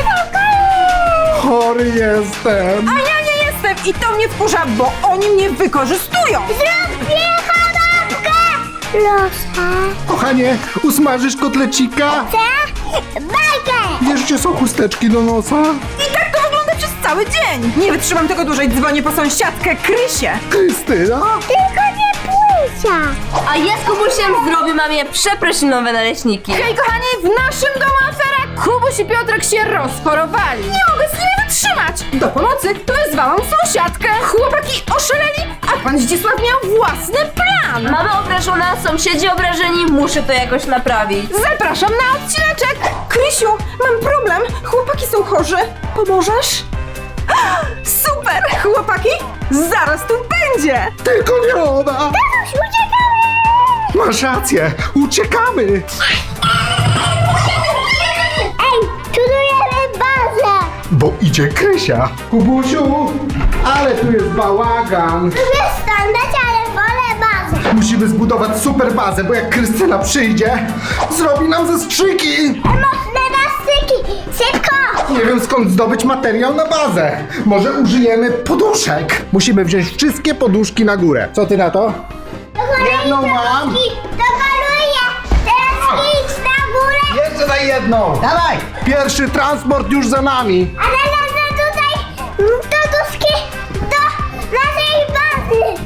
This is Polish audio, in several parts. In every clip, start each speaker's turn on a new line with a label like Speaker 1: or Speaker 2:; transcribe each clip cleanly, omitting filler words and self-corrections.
Speaker 1: Chory jestem.
Speaker 2: A ja nie jestem i to mnie wkurza, bo oni mnie wykorzystują.
Speaker 3: Zrób kanapkę! Proszę.
Speaker 1: Kochanie, usmażysz kotlecika?
Speaker 3: Bajkę!
Speaker 1: Wiesz, gdzie są chusteczki do nosa?
Speaker 2: I tak to wygląda przez cały dzień. Nie wytrzymam tego dłużej, dzwonię po sąsiadkę Krysię.
Speaker 1: Krystyna?
Speaker 3: Tylko nie płycia.
Speaker 4: A ja z Kubusiem zrobię mamie przeprosinowe naleśniki.
Speaker 2: Hej kochani, w naszym domu afera. Kubuś i Piotrek się rozchorowali. Nie mogę z nimi wytrzymać. Do pomocy wezwałam sąsiadkę. Chłopaki oszaleli, a pan Zdzisław miał własny plan.
Speaker 4: Mama obrażona, sąsiedzi obrażeni, muszę to jakoś naprawić.
Speaker 2: Zapraszam na odcineczek. Krysiu, mam problem. Chłopaki są chorzy. Pomożesz? Super, chłopaki, zaraz tu będzie.
Speaker 1: Tylko nie ona!
Speaker 3: Uciekamy!
Speaker 1: Masz rację, uciekamy!
Speaker 3: Ej, budujemy bazę!
Speaker 1: Bo idzie Krysia. Kubusiu, ale tu jest bałagan.
Speaker 3: Lubię stądać, ale wolę bazę.
Speaker 1: Musimy zbudować super bazę, bo jak Krystyna przyjdzie, zrobi nam zastrzyki.
Speaker 3: Mocne nastyki! Szybko!
Speaker 1: Nie wiem, skąd zdobyć materiał na bazę. Może użyjemy poduszek. Musimy wziąć wszystkie poduszki na górę. Co ty na to? Jedną mam.
Speaker 3: Dopaluję! Teraz idź na górę!
Speaker 1: Jeszcze daj jedną. Dawaj. Pierwszy transport już za nami.
Speaker 3: A teraz tutaj poduszki do naszej bazy!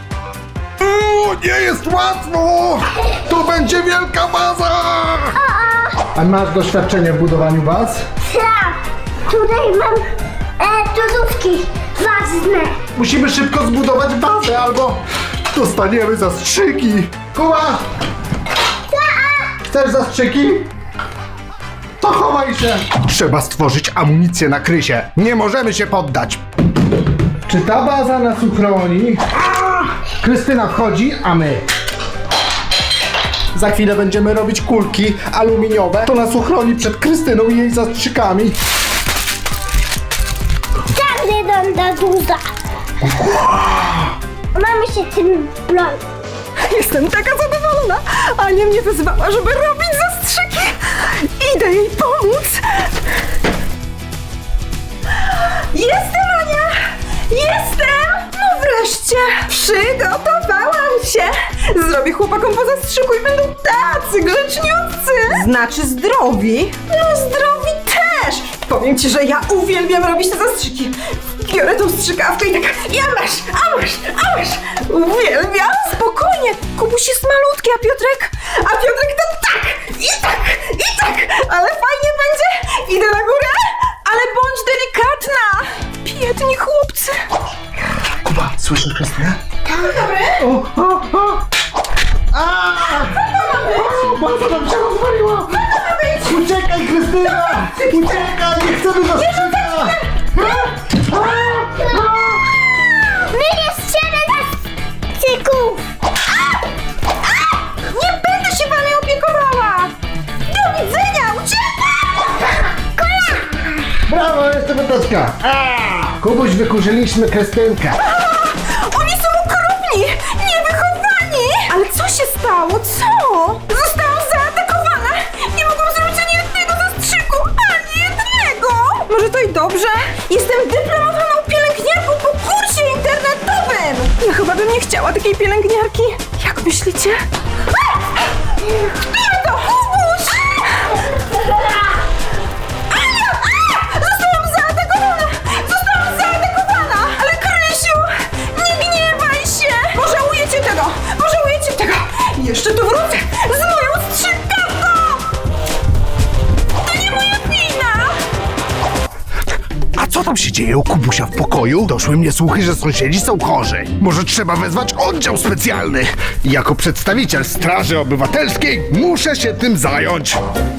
Speaker 1: Nie jest łatwo. To będzie wielka baza. A masz doświadczenie w budowaniu baz?
Speaker 3: Tak! Tutaj mam poduszki ważne!
Speaker 1: Musimy szybko zbudować bazę, albo dostaniemy zastrzyki. Kuba! Chcesz zastrzyki? To chowaj się! Trzeba stworzyć amunicję na Krysie. Nie możemy się poddać. Czy ta baza nas uchroni? Krystyna wchodzi, a my. Za chwilę będziemy robić kulki aluminiowe. To nas uchroni przed Krystyną i jej zastrzykami.
Speaker 3: Każdy dom do duża! Mamy się tym bronić.
Speaker 2: Jestem taka zadowolona. Ania mnie wezwała, żeby robić zastrzyki. Idę jej pomóc. Jestem, Ania! Jestem! No wreszcie! Przygotowałam się! Zrobię chłopakom po zastrzyku i będą tacy grzeczniutcy! Znaczy zdrowi? No zdrowi też! Powiem ci, że ja uwielbiam robić te zastrzyki. Biorę tą strzykawkę i tak, ja masz! Uwielbiam! Spokojnie! Kubuś jest malutki, a Piotrek to tak! I tak! Ale fajnie będzie! Idę na górę, ale bądź delikatna! Biedni chłopcy!
Speaker 1: Kuba, słyszysz Krystynę?
Speaker 2: Dobry?
Speaker 1: O! Baza nam się rozwaliła! Uciekaj, Krystyna! Uciekaj, nie chcemy zastrzyka!
Speaker 3: My nie strzelę nastyków!
Speaker 2: Nie będę się wami opiekowała! Do widzenia! Uciekaj!
Speaker 1: Brawo, jeszcze wędeczka! Kubuś, wykurzyliśmy Krystynkę.
Speaker 2: Oni są okropni! Niewychowani! Ale co się stało? Co? Zostałam zaatakowana! Nie mogłam zrobić ani jednego zastrzyku! Ani jednego! Może to i dobrze? Jestem dyplomowaną pielęgniarką po kursie internetowym! Ja chyba bym nie chciała takiej pielęgniarki. Jak myślicie? Bierę to! Kubuś! Ania! Zostałam zaatakowana! Ale Krysiu! Nie gniewaj się! Pożałujecie tego! Jeszcze tu wrócę z moją strzykawką! To nie moja wina!
Speaker 1: A co tam się dzieje u Kubusia w pokoju? Doszły mnie słuchy, że sąsiedzi są chorzy. Może trzeba wezwać oddział specjalny. Jako przedstawiciel Straży Obywatelskiej muszę się tym zająć.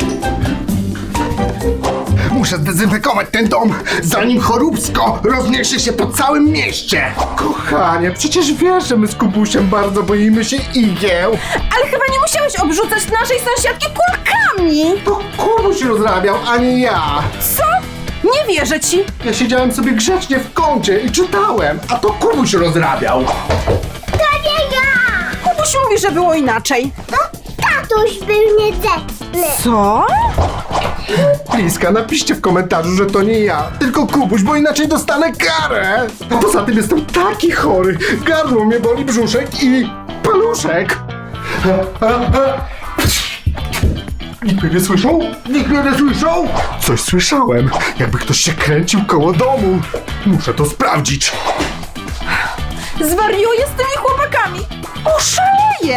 Speaker 1: Muszę zdezynfekować ten dom, zanim choróbsko rozniesie się po całym mieście. Kochanie, przecież wiesz, że my z Kubusiem bardzo boimy się igieł.
Speaker 2: Ale chyba nie musiałeś obrzucać naszej sąsiadki kulkami!
Speaker 1: To Kubuś rozrabiał, a nie ja.
Speaker 2: Co? Nie wierzę ci!
Speaker 1: Ja siedziałem sobie grzecznie w kącie i czytałem, a to Kubuś rozrabiał.
Speaker 3: To nie ja!
Speaker 2: Kubuś mówi, że było inaczej.
Speaker 3: Tatuś był niegrzeczny.
Speaker 2: Co?
Speaker 1: Bliska, napiszcie w komentarzu, że to nie ja, tylko Kubuś, bo inaczej dostanę karę. A poza tym jestem taki chory. Gardło mnie boli, brzuszek i paluszek. Nikt mnie nie słyszał? Nikt mnie nie słyszał? Coś słyszałem, jakby ktoś się kręcił koło domu. Muszę to sprawdzić.
Speaker 2: Zwariuję z tymi chłopakami! Oszaleję!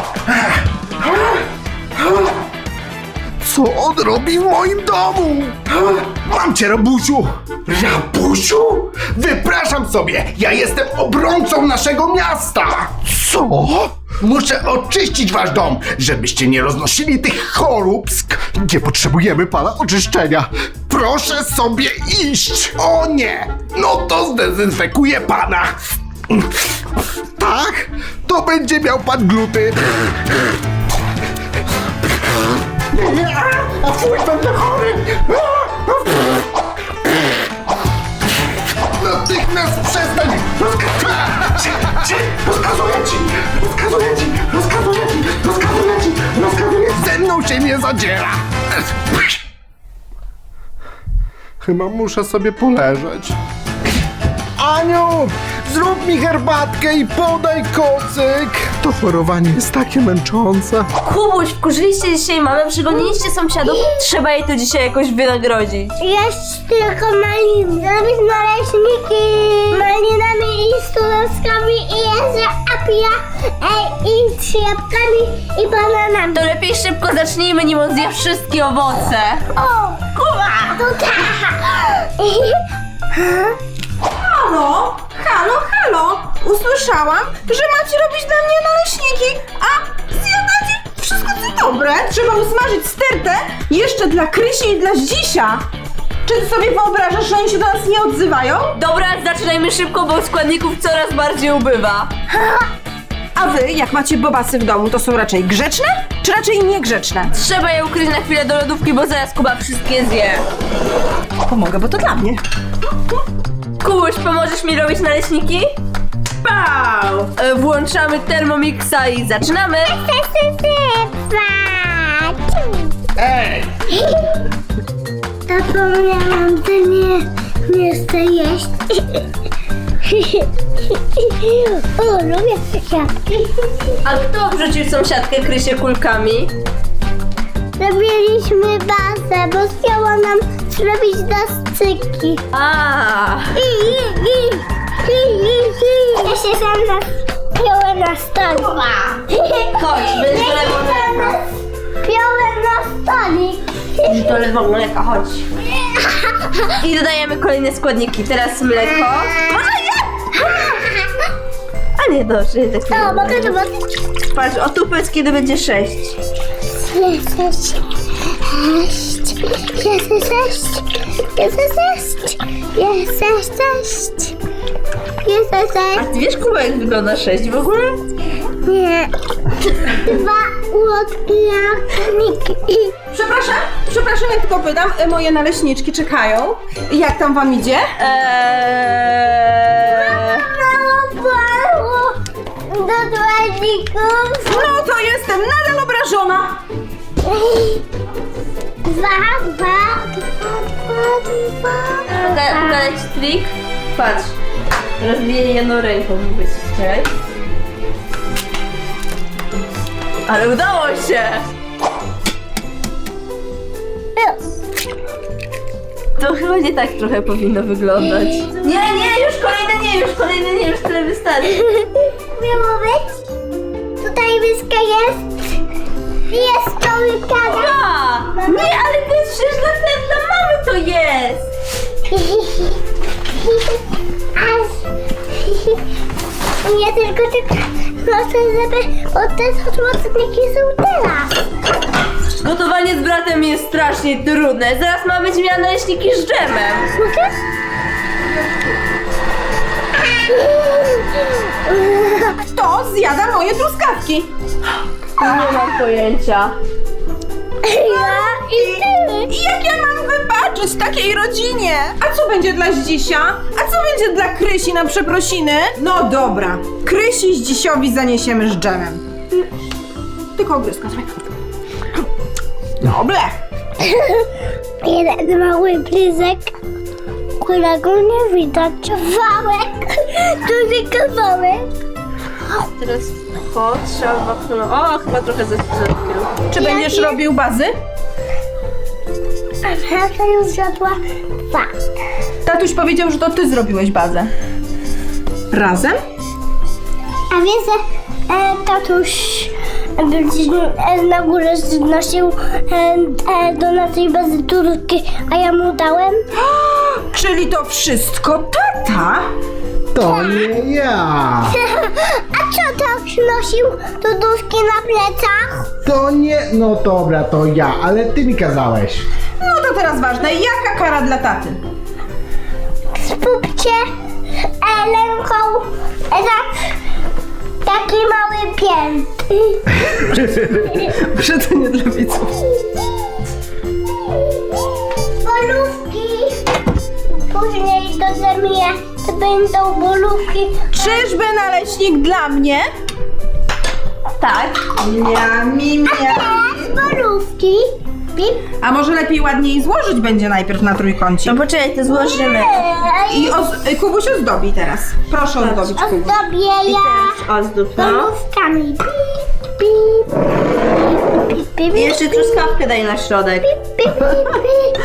Speaker 1: Co on robi w moim domu? Mam cię, Rabusiu! Rabusiu? Wypraszam sobie! Ja jestem obrońcą naszego miasta! Co? Muszę oczyścić wasz dom, żebyście nie roznosili tych choróbsk. Nie potrzebujemy pana oczyszczenia. Proszę sobie iść! O nie! No to zdezynfekuję pana! Tak? To będzie miał pan gluty. Nie, a fuj, będę chory! Natychmiast przestań! Rozkazuję ci! Ze mną się nie zadziera! Chyba muszę sobie poleżeć. Aniu, zrób mi herbatkę i podaj kocyk! To chorowanie jest takie męczące.
Speaker 4: Kubuś, wkurzyliście dzisiaj mamę, przygoniliście sąsiadów. Trzeba jej to dzisiaj jakoś wynagrodzić.
Speaker 3: Jeść tylko maliny, zrobić naleśniki malinami i z truskawkami i jeść apia i z jabłkami i bananami.
Speaker 4: To lepiej szybko zacznijmy, nim on zje wszystkie owoce.
Speaker 3: O, Kuba! To tak!
Speaker 2: Halo? Halo, halo! Usłyszałam, że macie robić dla mnie naleśniki, a zjadacie wszystko co dobre. Trzeba usmażyć stertę jeszcze dla Krysi i dla Zdzisia. Czy ty sobie wyobrażasz, że oni się do nas nie odzywają?
Speaker 4: Dobra, zaczynajmy szybko, bo składników coraz bardziej ubywa.
Speaker 2: A wy, jak macie bobasy w domu, to są raczej grzeczne, czy raczej niegrzeczne?
Speaker 4: Trzeba je ukryć na chwilę do lodówki, bo zaraz Kuba wszystkie zje.
Speaker 2: Pomogę, bo to dla mnie.
Speaker 4: Kubuś, pomożesz mi robić naleśniki? Pau! Włączamy Thermomixa i zaczynamy.
Speaker 1: Ej!
Speaker 3: Zapomniałam, że nie chcę jeść. O, lubię kwiatki.
Speaker 4: A kto wrzucił sąsiadkę Krysię kulkami?
Speaker 3: Robiliśmy bazę, bo chciała nam zrobić dosyki.
Speaker 4: A,
Speaker 3: Ja się sam napiąłem na stolik.
Speaker 4: chodź, będziesz do lewą mleka.
Speaker 3: Piąłem na stolik.
Speaker 4: Idź do lewą mleka, chodź. I dodajemy kolejne składniki. Teraz mleko. Może nie! A nie, dobrze, jednak nie.
Speaker 3: O, mogę to
Speaker 4: Patrz, o tu powiedz, kiedy będzie 6. A ty wiesz, Kuba, jak wygląda 6 w ogóle?
Speaker 3: Nie. 2 łodniki.
Speaker 2: Przepraszam, ja tylko pytam, moje naleśniczki czekają. Jak tam wam idzie?
Speaker 3: Mało było do dładzików.
Speaker 2: No to jestem nadal obrażona.
Speaker 3: 2.
Speaker 4: Pokazać trik? Patrz. Rozbiję jedną ręką, mówię ci. Czekaj. Ale udało się! To chyba nie tak trochę powinno wyglądać. Nie, już kolejne nie, już tyle wystarczy.
Speaker 3: Miało być? Tutaj myska jest. Jest to łykawa.
Speaker 4: A, nie, ale to jest przecież dla mamy to jest!
Speaker 3: Ja tylko proszę, żeby te mocniki są teraz.
Speaker 4: Gotowanie z bratem jest strasznie trudne. Zaraz ma być miała naleśniki z dżemem.
Speaker 3: Mogę?
Speaker 2: Kto zjada moje truskawki?
Speaker 4: Nie mam pojęcia.
Speaker 3: Ja i ty.
Speaker 2: I jak ja mam wybaczyć takiej rodzinie? A co będzie dla Zdzisia? A co będzie dla Krysi na przeprosiny? No dobra, Krysi Zdzisiowi zaniesiemy z dżemem. Tylko ogryzka sobie. Dobre.
Speaker 3: Jeden mały bryzek, którego nie widać. Kawałek, duży kawałek.
Speaker 4: Teraz trzeba wapno. O, chyba trochę ze
Speaker 2: Czy będziesz robił bazy?
Speaker 3: A Marta już zjadła dwa.
Speaker 2: Tatuś powiedział, że to ty zrobiłeś bazę. Razem?
Speaker 3: A wiesz, że tatuś na górze znosił do naszej bazy turki, a ja mu dałem?
Speaker 2: Czyli to wszystko tata?
Speaker 1: To nie ja.
Speaker 3: A co tak nosił tuduszki na plecach?
Speaker 1: To nie... No dobra, to ja, ale ty mi kazałeś.
Speaker 2: No to teraz ważne, jaka kara dla taty?
Speaker 3: Spójrzcie ręką taki mały pięt.
Speaker 2: Proszę, to nie dla widzów.
Speaker 3: Bolówki. Później do zamienia to będą bolówki.
Speaker 2: Czyżby naleśnik dla mnie?
Speaker 4: Tak.
Speaker 2: Miami.
Speaker 3: Teraz bolówki. Pip.
Speaker 2: A może lepiej ładniej złożyć będzie najpierw na trójkącie?
Speaker 4: No poczekaj, to złożymy.
Speaker 2: I Kubuś ozdobi teraz. Proszę ozdobić Kubuś.
Speaker 3: Ozdobię
Speaker 4: I
Speaker 3: ja
Speaker 4: teraz ozdób, no.
Speaker 3: bolówkami. Pip, pip, pip, pip,
Speaker 4: I jeszcze truskawkę daj na środek.
Speaker 3: pip, pip, pip,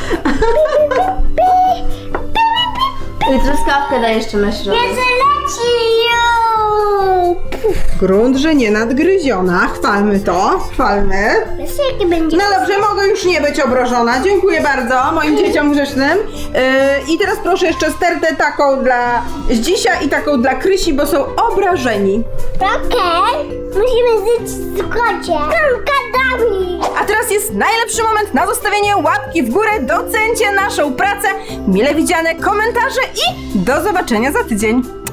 Speaker 3: pip, pip.
Speaker 4: I truskawkę daj jeszcze na środek.
Speaker 3: Jezu, leci już.
Speaker 2: Grunt, że nie nadgryziona. Chwalmy to. Chwalmy.
Speaker 3: Wiesz, jaki będzie?
Speaker 2: No dobrze, mogę już nie być obrażona. Dziękuję bardzo moim dzieciom grzecznym. I teraz proszę jeszcze stertę taką dla Zdzisia i taką dla Krysi, bo są obrażeni.
Speaker 3: Okej, musimy żyć w zgodzie. Kankadami.
Speaker 2: A teraz jest najlepszy moment na zostawienie łapki w górę. Docencie naszą pracę, mile widziane komentarze i do zobaczenia za tydzień.